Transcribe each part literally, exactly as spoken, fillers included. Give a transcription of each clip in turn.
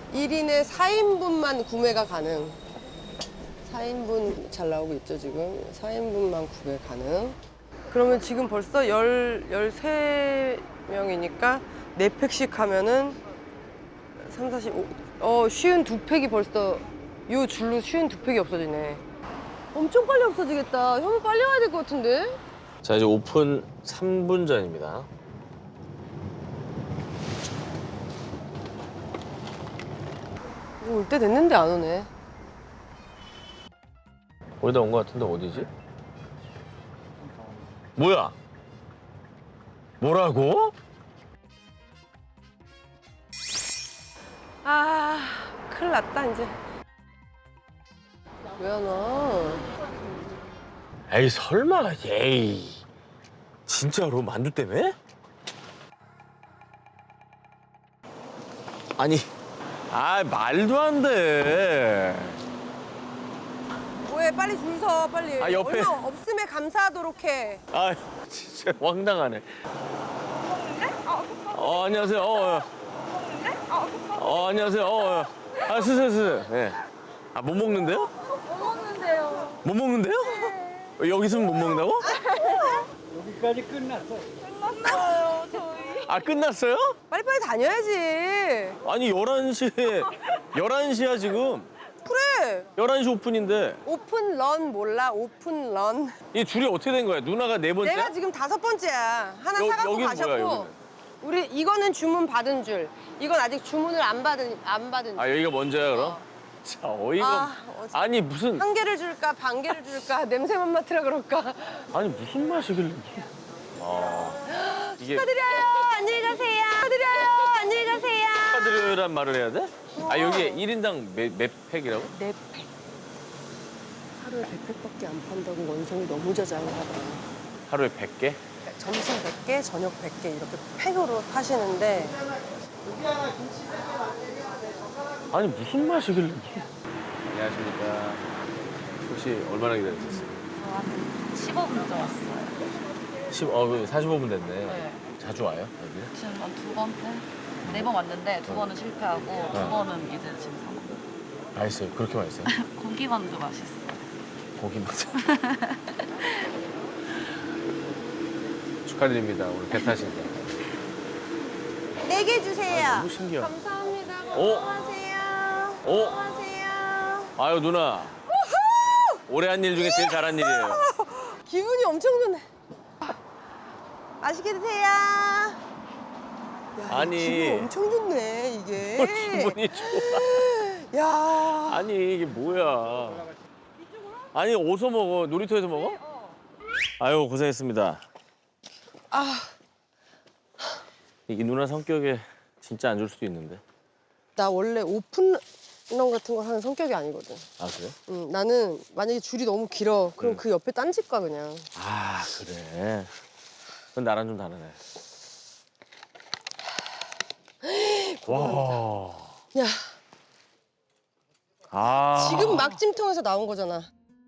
일 인에 사 인분만 구매가 가능. 사 인분 잘 나오고 있죠, 지금. 사 인분만 구매 가능. 그러면 지금 벌써 열, 열세 명이니까 네 팩씩 하면은 삼, 사십, 오, 어, 쉬운 두 팩이 벌써 요 줄로 쉬운 두 팩이 없어지네. 엄청 빨리 없어지겠다. 현무 빨리 와야 될 것 같은데? 자, 이제 오픈 삼 분 전입니다. 올 때 됐는데 안 오네. 거의 다 온 것 같은데 어디지? 뭐야? 뭐라고? 아, 큰일 났다, 이제. 왜 안 와? 에이 설마 에이 진짜로 만두 때문에? 아니 아 말도 안 돼. 왜 빨리 줄 서, 빨리. 아, 옆에. 얼마 없음에 감사하도록 해. 아 진짜 황당하네. 어 안녕하세요. 어, 어. 어 안녕하세요. 어, 어. 아 스스 스스. 네. 아못 먹는데요? 못 먹는데요. 못 먹는데요? 네. 여기 있으면 못 먹는다고? 여기까지 끝났어. 끝났어요, 저희. 아 끝났어요? 빨리빨리 다녀야지. 아니 열한 시에 열한 시야 지금. 그래. 열한 시 오픈인데 오픈 런 몰라? 오픈 런. 이 줄이 어떻게 된 거야? 누나가 네 번째? 내가 지금 다섯 번째야. 하나 여- 사갖고 여기는 가셨고. 뭐야, 여기는? 우리 이거는 주문 받은 줄. 이건 아직 주문을 안 받은 안 받은 줄. 아 여기가 먼저야 그럼? 자 어이가 아, 없- 어째- 아니 무슨 한 개를 줄까 반 개를 줄까 냄새만 맡으라 그럴까. 아니 무슨 맛이길래 아 이게 축하드려요. 안녕히 가세요. 축하드려요. 안녕히 가세요. 축하드려요란 말을 해야 돼? 아 여기 일 인당 몇, 몇 팩이라고? 네 팩. 하루에 백 팩밖에 안 판다고 원성이 너무 자장하다. 하루에 백 개? 점심 백 개, 저녁 백 개 이렇게 팩으로 파시는데 아니 무슨 맛이길래 안녕하십니까 혹시 얼마나 기다리셨어요? 한 십오 분 정도 왔어요. 십, 어, 그 사십오 분 됐네 네. 자주 와요 여기? 지금 한 두 번째? 네 번 왔는데 두 번은 실패하고 네. 두 번은 이제 지금 사 번. 맛있어요 그렇게 맛있어요? 고기만두 맛있어요. 고기 맞아 축하드립니다 오늘 배 타신다 네 개 주세요. 아, 너무 신기하다 감사합니다. 어? 고마워하세요. 어? 고마워하세요. 아유 누나 올해 한 일 중에 제일 잘한 일이에요 기분이 엄청 좋네. 맛있게 드세요. 야, 아니. 기분 엄청 좋네 이게. 뭘 기분이 좋아 야. 아니 이게 뭐야 아니 어디서 먹어? 놀이터에서 먹어? 아유 고생했습니다 아, 이 누나 성격에 진짜 안 줄 수도 있는데 나 원래 오픈런 같은 걸 하는 성격이 아니거든. 아 그래? 응, 나는 만약에 줄이 너무 길어. 그럼 응. 그 옆에 딴 집 가 그냥. 아 그래 그건 나랑 좀 다르네 와 야, 아. 지금 막 찜통에서 나온 거잖아.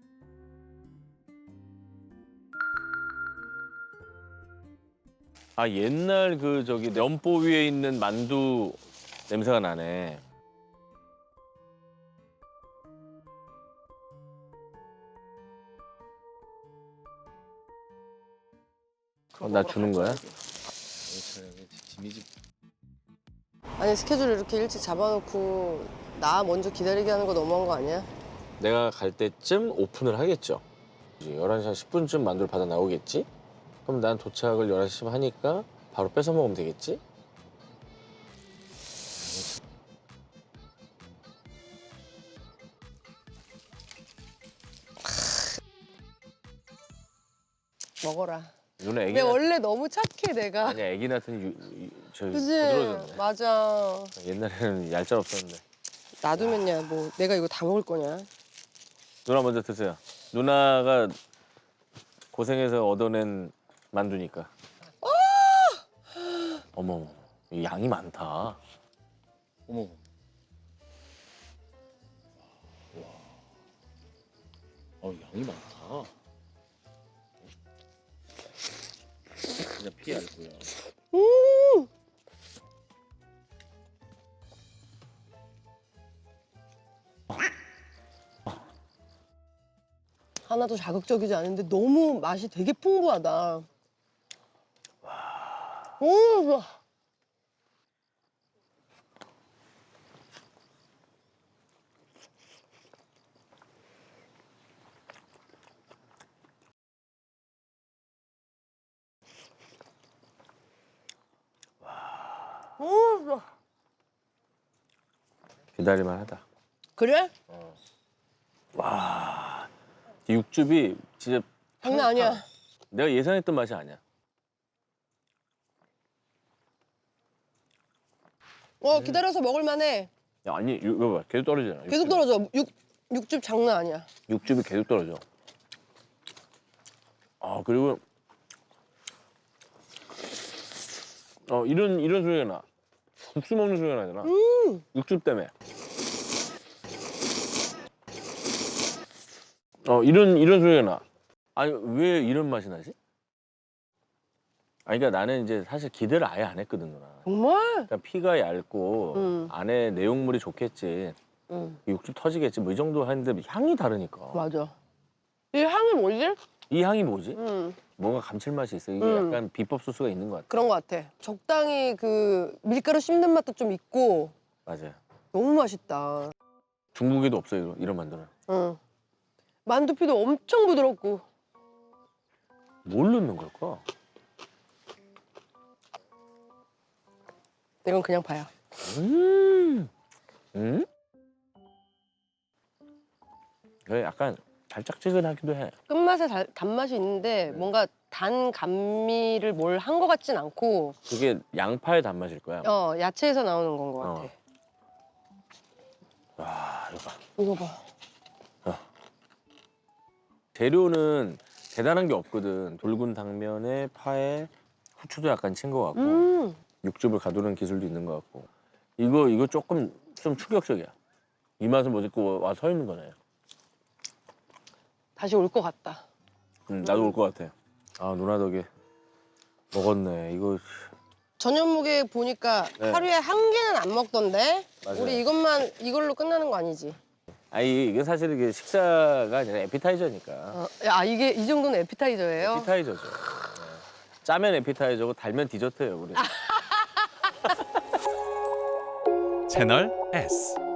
아 옛날 그 저기 면보 위에 있는 만두 냄새가 나네 어, 나 주는 거야? 아니 스케줄 이렇게 일찍 잡아놓고 나 먼저 기다리게 하는 거 너무한 거 아니야? 내가 갈 때쯤 오픈을 하겠죠. 열한 시 한 십 분쯤 만두를 받아 나오겠지? 그럼 난 도착을 열한 시쯤 하니까 바로 뺏어 먹으면 되겠지? 먹어라. 누나 애기 근데 낳... 원래 너무 착해 내가. 아니야 애기 낳더니 유, 유, 저 그지? 부드러워졌네. 맞아. 옛날에는 얄짤 없었는데. 놔두면야 뭐 내가 이거 다 먹을 거냐? 누나 먼저 드세요. 누나가 고생해서 얻어낸 만두니까. 어머, 이 양이 많다. 어머. 어, 양이 많다. 진짜 피 얇고요. 음. 하나도 자극적이지 않은데 너무 맛이 되게 풍부하다. 오, 좋아. 오, 좋아. 기다릴만 하다. 그래? 와, 이 육즙이 진짜 장난 아니야. 내가 예상했던 맛이 아니야. 어, 기다려서 먹을만해. 야, 아니 이거 봐, 계속 떨어지잖아. 계속 육즙이. 떨어져. 육, 육즙 장난 아니야. 육즙이 계속 떨어져. 아 그리고 어 이런 이런 소리가 나. 국수 먹는 소리가 나잖아. 음. 육즙 때문에. 어 이런 이런 소리가 나. 아니 왜 이런 맛이 나지? 아니 그러니까 나는 이제 사실 기대를 아예 안 했거든 누나. 정말? 그러니까 피가 얇고 음. 안에 내용물이 좋겠지. 응, 육즙 터지겠지. 뭐 이 정도 하는데 향이 다르니까. 맞아. 이 향이 뭐지? 이 향이 뭐지? 음, 뭔가 감칠맛이 있어. 이게 음. 약간 비법 소스가 있는 것 같아. 그런 것 같아. 적당히 그 밀가루 씹는 맛도 좀 있고 맞아요. 너무 맛있다. 중국에도 없어요 이런, 이런 만두는. 응. 만두피도 엄청 부드럽고. 뭘 넣는 걸까? 이건 그냥 봐요. 음. 음? 이게 약간 달짝지근하기도 해. 끝맛에 달, 단맛이 있는데 뭔가 단 감미를 뭘 한 것 같진 않고 그게 양파의 단맛일 거야. 어 야채에서 나오는 건 것 같아. 어. 와, 이거 봐. 이거 봐. 재료는 대단한 게 없거든. 돌군 당면에 파에 후추도 약간 친 것 같고 음, 육즙을 가두는 기술도 있는 것 같고 이거 이거 조금 좀 충격적이야. 이 맛은 못 잊고 와 서 있는 거네. 다시 올 것 같다. 음, 나도 올 것 같아. 아 누나 덕에 먹었네. 이거 저녁무게 보니까 네. 하루에 한 개는 안 먹던데? 맞아요. 우리 이것만 이걸로 끝나는 거 아니지? 아니 이게 사실 이게 식사가 아니라 에피타이저니까. 어, 야 이게 이 정도는 에피타이저예요? 에피타이저죠. 네. 짜면 에피타이저고 달면 디저트예요 우리. 채널 S